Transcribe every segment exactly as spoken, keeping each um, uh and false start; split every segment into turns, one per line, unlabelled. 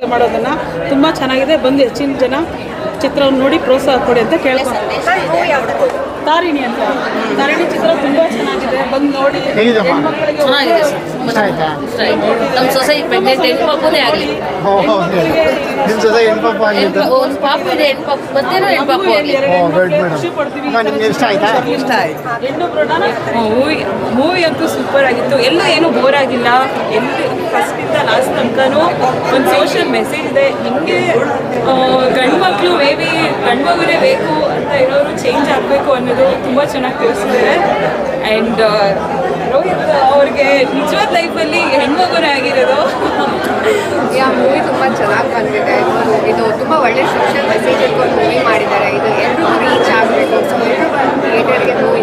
ಮಾಡೋದನ್ನು ತುಂಬ ಚೆನ್ನಾಗಿದೆ. ಬಂದು ಹೆಚ್ಚಿನ ಜನ ಚಿತ್ರವನ್ನು ನೋಡಿ ಪ್ರೋತ್ಸಾಹ ಕೊಡಿ ಅಂತ ಕೇಳ್ಕೊಂಡು. ತಾರಿಣಿ ಅಂತ ತಾರಿಣಿ ಚಿತ್ರ ತುಂಬ ಚೆನ್ನಾಗಿದೆ, ಬಂದು ನೋಡಿ.
ಚೆನ್ನಾಗಿದೆ ಸರ್, ನಮ್ಮ ಸೊಸೈಟಿ ಪ್ರೆಗ್ನೆಂಟ್ ಹೆಣ್ಮಗುನೇ ಆಗಲಿ, ಒಂದು ಪಾಪು ಇದೆ, ಹೆಣ್ಪಾಪು ಮತ್ತೇನೋ ಹೆಣ್ಪಾಪು ಆಗಲಿ.
ಮೂವಿ ಮೂವಿ ಅಂತೂ ಸೂಪರ್ ಆಗಿತ್ತು. ಎಲ್ಲ ಏನೂ ಬೋರ್ ಆಗಿಲ್ಲ. ಎಲ್ಲಿ ಫಸ್ಟಿಂದ ಲಾಸ್ಟ್ ತನಕನೂ ಒಂದು ಸೋಷಿಯಲ್ ಮೆಸೇಜ್ ಇದೆ. ನಿಮಗೆ ಗಂಡು ಮಕ್ಕಳು ಮೇ ಬಿ ಗಂಡು ಮಗುನೇ ಬೇಕು ಅಂತ ಇರೋರು ಚೇಂಜ್ ಆಗಬೇಕು ಅನ್ನೋದು ತುಂಬ ಚೆನ್ನಾಗಿ ತಿಳಿಸಿದ್ದಾರೆ. ಆ್ಯಂಡ್ ರೋಹಿತ್ ಅವ್ರಿಗೆ ನಿಜವಾದ ಲೈಫಲ್ಲಿ ಹೆಣ್ಮಗುನೇ ಆಗಿರೋದು.
ಯಾ ಮೂವಿ ತುಂಬ ಚೆನ್ನಾಗಿ ಬಂದಿದೆ. ಇದು ತುಂಬ ಒಳ್ಳೆ ಸೋಷಿಯಲ್ ಮೆಸೇಜ್ ಇಟ್ಕೊಂಡು ಮೂವಿ ಮಾಡಿದ್ದಾರೆ. ಇದು ಎಲ್ಲರೂ ರೀಚ್ ಆಗಬೇಕು. ಸೊ ಥಿಯೇಟರ್ಗೆ ಮೂವಿ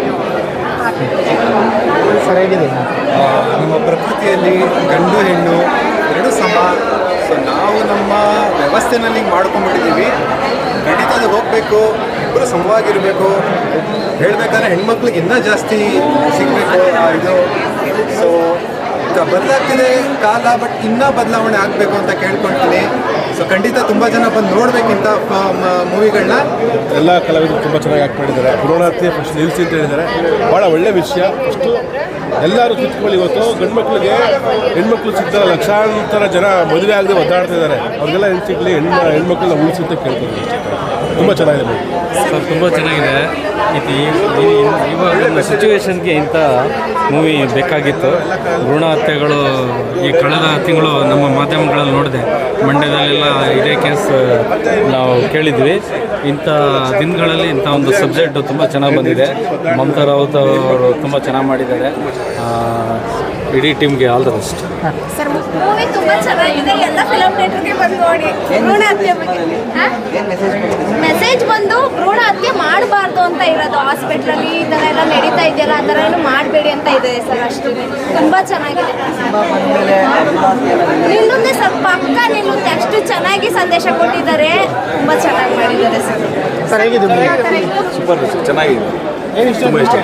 ಸರಿಯಾಗಿದೆ.
ನಮ್ಮ ಪ್ರಕೃತಿಯಲ್ಲಿ ಗಂಡು ಹೆಣ್ಣು ಎರಡು ಸಮ. ಸೊ ನಾವು ನಮ್ಮ ವ್ಯವಸ್ಥೆನಲ್ಲಿ ಮಾಡ್ಕೊಂಡ್ಬಿಟ್ಟಿದ್ದೀವಿ. ಖಂಡಿತ ಅದು ಹೋಗಬೇಕು, ಇಬ್ಬರು ಸಮವಾಗಿರಬೇಕು. ಹೇಳಬೇಕಾದ್ರೆ ಹೆಣ್ಮಕ್ಳಿಗೆ ಇನ್ನೂ ಜಾಸ್ತಿ ಸಿಗಬೇಕು ಇದು. ಸೊ ಬದಲಾಗ್ತಿದೆ ಕಾಲ, ಬಟ್ ಇನ್ನೂ ಬದಲಾವಣೆ ಆಗಬೇಕು ಅಂತ ಕೇಳ್ಕೊಳ್ತೀನಿ. ಸೊ ಖಂಡಿತ ತುಂಬ ಜನ ಬಂದು ನೋಡಬೇಕಿಂತ ಮೂವಿಗಳನ್ನ.
ಎಲ್ಲ ಕಲಾವಿದರು ತುಂಬ ಚೆನ್ನಾಗಿ ಆ್ಯಕ್ಟ್ ಮಾಡಿದ್ದಾರೆ. ಭ್ರೂಣ ಹತ್ಯೆ ಫಸ್ಟ್ ನಿಲ್ಲಿಸಿ ಅಂತ ಹೇಳಿದ್ದಾರೆ. ಭಾಳ ಒಳ್ಳೆಯ ವಿಷಯ. ಫಸ್ಟು ಎಲ್ಲರೂ ತಿಳ್ಕೊಳ್ಳಿ. ಇವತ್ತು ಗಂಡು ಮಕ್ಕಳಿಗೆ ಹೆಣ್ಮಕ್ಳು ಸಿಗ್ತಾರೆ, ಲಕ್ಷಾಂತರ ಜನ ಮದುವೆ ಆಗದೆ ಒದ್ದಾಡ್ತಾ ಇದ್ದಾರೆ. ಅವ್ರಿಗೆಲ್ಲ ಹೆಣ್ಣು ಸಿಗಲಿ, ಹೆಣ್ಣು ಹೆಣ್ಮಕ್ಳನ್ನ ಉಳಿಸಿ ಅಂತ ಕೇಳ್ತಾರೆ. ತುಂಬ ಚೆನ್ನಾಗಿದೆ
ಸರ್, ತುಂಬ ಚೆನ್ನಾಗಿದೆ. ಇದು ಇವಾಗ ಸಿಚುವೇಶನ್ಗೆ ಇಂಥ ಮೂವಿ ಬೇಕಾಗಿತ್ತು. ಭ್ರೂಣ ಹತ್ಯೆಗಳು ಈ ಕಳೆದ ತಿಂಗಳು ನಮ್ಮ ಮಾಧ್ಯಮಗಳಲ್ಲಿ ನೋಡಿದೆ. ಮಂಡ್ಯದಲ್ಲೆಲ್ಲ ಇದೇ ಕೇಸ್ ನಾವು ಕೇಳಿದ್ವಿ. ಇಂಥ ದಿನಗಳಲ್ಲಿ ಇಂಥ ಒಂದು ಸಬ್ಜೆಕ್ಟು ತುಂಬ ಚೆನ್ನಾಗಿ ಬಂದಿದೆ. ಮಮತಾ ರಾವತ್ ಅವರು ತುಂಬ ಚೆನ್ನಾಗಿ ಮಾಡಿದ್ದಾರೆ. ಇಡೀ ಟೀಮ್ಗೆ all the best.
Sir movie ತುಂಬ ಚೆನ್ನಾಗಿದೆ. ಎಲ್ಲ ಫಿಲಮ್ ಥಿಯೇಟರ್ಗೆ ಬಂದು ನೋಡಿ. ಭ್ರೂಣ ಹತ್ಯೆ ಬಗ್ಗೆ ಮೆಸೇಜ್ ಬಂದು ಭ್ರೂಣ ಹತ್ಯೆ ಮಾಡಬಾರ್ದು ಅಂತ ಇರೋದು. ಹಾಸ್ಪಿಟ್ಲಲ್ಲಿ ಈ ಥರ ಎಲ್ಲ ನಡೀತಾ ಇದೆಯಲ್ಲ, ಆ ಥರ ಏನು ಮಾಡಬೇಡಿ ಅಂತ ಇದೆ ಸರ್. ಅಷ್ಟು ತುಂಬ ಚೆನ್ನಾಗಿದೆ. ನಿಲ್ಲುತ್ತೆ ಸರ್, ಪಕ್ಕ ನಿಲ್ಲುತ್ತೆ. ಅಷ್ಟು ಚೆನ್ನಾಗಿ ಸಂದೇಶ ಕೊಟ್ಟಿದ್ದಾರೆ. ತುಂಬ ಚೆನ್ನಾಗಿ ಮಾಡಿದ್ದಾರೆ ಸರ್.
ಸೂಪರ್ ಚೆನ್ನಾಗಿದೆ. ತುಂಬ ಇಷ್ಟ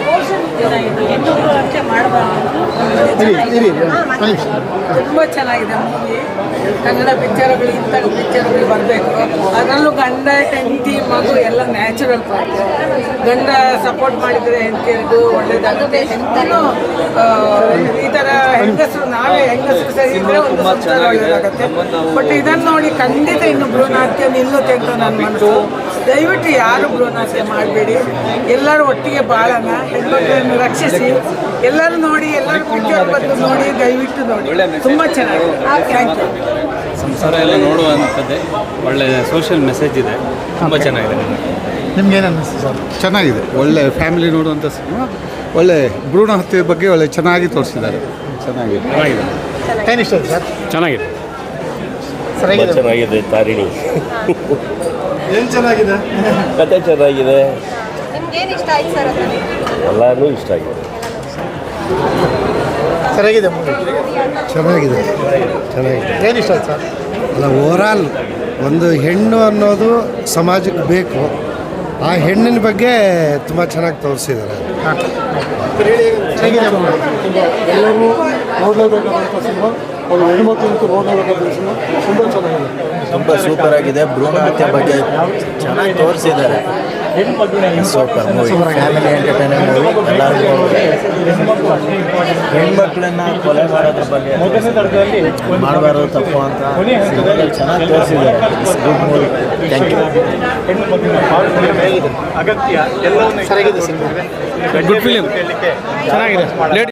ತುಂಬ ಚೆನ್ನಾಗಿದೆ ಮೂವಿ. ಕನ್ನಡ ಪಿಕ್ಚರ್ಗಳು ಇಂಥ ಪಿಕ್ಚರ್ಗಳು ಬರಬೇಕು. ಅದರಲ್ಲೂ ಗಂಡ ಹೆಂಡತಿ ಮಗು ಎಲ್ಲ ನ್ಯಾಚುರಲ್ ಪಾರ್ಟ್. ಗಂಡ ಸಪೋರ್ಟ್ ಮಾಡಿದರೆ ಹೆಂಡತಿಯರಿಗೂ ಒಳ್ಳೇದಾಗುತ್ತೆ. ಹೆಂಡತಿನೂ ಈ ಥರ ಹೆಂಗಸರು, ನಾವೇ ಹೆಂಗಸರು ಸರಿ ಇದ್ದರೆ ಒಂದು ಸಂಸಾರ ಒಳ್ಳೇದಾಗುತ್ತೆ. ಬಟ್ ಇದನ್ನು ನೋಡಿ ಖಂಡಿತ ಇನ್ನು ಭ್ರೂಣ ಹತ್ಯೆ ನಿಲ್ಲುತ್ತೆ ಅಂತ ನನ್ನ ಮನಸ್ಸು. ದಯವಿಟ್ಟು ಯಾರು ಭ್ರೂಣ ಹತ್ಯೆ ಮಾಡಬೇಡಿ. ಎಲ್ಲರೂ ಒಟ್ಟಿಗೆ ಬಾಳೋಣ, ಹೆಣ್ಮಕ್ಳನ್ನು ರಕ್ಷಿಸಿ. ಎಲ್ಲರೂ ನೋಡಿ, ಎಲ್ಲರೂ ಪಿಕ್ಚರ್ ಬಂದು ನೋಡಿ, ದಯವಿಟ್ಟು ನೋಡಿ. ತುಂಬ ಚೆನ್ನಾಗಿದೆ. Thank you.
ಸಂಸಾರ ಎಲ್ಲ ನೋಡುವಂಥದ್ದೇ ಒಳ್ಳೆ ಸೋಷಿಯಲ್ ಮೆಸೇಜ್ ಇದೆ. ತುಂಬ ಚೆನ್ನಾಗಿದೆ.
ನಿಮ್ಗೇನು ಅನ್ನಿಸ್ತು ಸರ್?
ಚೆನ್ನಾಗಿದೆ. ಒಳ್ಳೆ ಫ್ಯಾಮಿಲಿ ನೋಡುವಂಥ ಸಿನಿಮಾ. ಒಳ್ಳೆ ಭ್ರೂಣ ಹತ್ಯೆ ಬಗ್ಗೆ ಒಳ್ಳೆ ಚೆನ್ನಾಗಿ ತೋರಿಸಿದ್ದಾರೆ. ಚೆನ್ನಾಗಿದೆ ಚೆನ್ನಾಗಿದೆ
ಏನು ಇಷ್ಟ ಸರ್?
ಚೆನ್ನಾಗಿದೆ
ಸರಿಯಾಗಿದೆ.
ಚೆನ್ನಾಗಿದೆ. ತಾರಿಣಿ
ಏನು ಚೆನ್ನಾಗಿದೆ?
ಕತೆ ಚೆನ್ನಾಗಿದೆ.
ನಿಮ್ಗೇನು ಇಷ್ಟ ಆಯ್ತು ಸರ್?
ಎಲ್ಲನೂ ಇಷ್ಟ ಆಗಿದೆ.
ಸರಿಯಾಗಿದೆ ಮೂವಿ.
ಚೆನ್ನಾಗಿದೆ ಚೆನ್ನಾಗಿದೆ.
ಏನು ಇಷ್ಟ ಆಯ್ತು ಸರ್?
ಅಲ್ಲ, ಓವರಾಲ್ ಒಂದು ಹೆಣ್ಣು ಅನ್ನೋದು ಸಮಾಜಕ್ಕೆ ಬೇಕು. ಆ ಹೆಣ್ಣಿನ ಬಗ್ಗೆ ತುಂಬ ಚೆನ್ನಾಗಿ ತೋರಿಸಿದ್ದಾರೆ.
ಹೇಗಿದೆ ಮೂವಿ? ಎಲ್ಲರೂ ನೋಡಲೇಬೇಕಾದಂಥ ಸಿನಿಮಾ. ಒಂದು ಹೆಣ್ಮಕ್ಳಂತೂ ನೋಡಲೇಬೇಕಾದ ಸಿನಿಮಾ. ತುಂಬ ಚೆನ್ನಾಗಿದೆ.
ತುಂಬ ಸೂಪರ್ ಆಗಿದೆ. ಭ್ರೂಣ ಹತ್ಯೆ ಬಗ್ಗೆ ಚೆನ್ನಾಗಿ ತೋರಿಸಿದ್ದಾರೆ. Super movie, family entertainer movie. ಎಲ್ಲರಿಗೂ ಹೆಣ್ಮಕ್ಳನ್ನ ಕೊಲೆ ಮಾಡೋದ್ರ ಬಗ್ಗೆ ಮಾಡಬಾರ್ದು, ತಪ್ಪು ಅಂತ ಚೆನ್ನಾಗಿ ತೋರಿಸಿದ್ದಾರೆ. Good movie. Thank you.
ಅಗತ್ಯ ಎಲ್ಲವನ್ನೂ ಸರಿಯಾಗಿದೆ ಸಿನಿಮಾ.
ಗುಡ್ ಫಿಲಿಮ್ ಚೆನ್ನಾಗಿದೆ.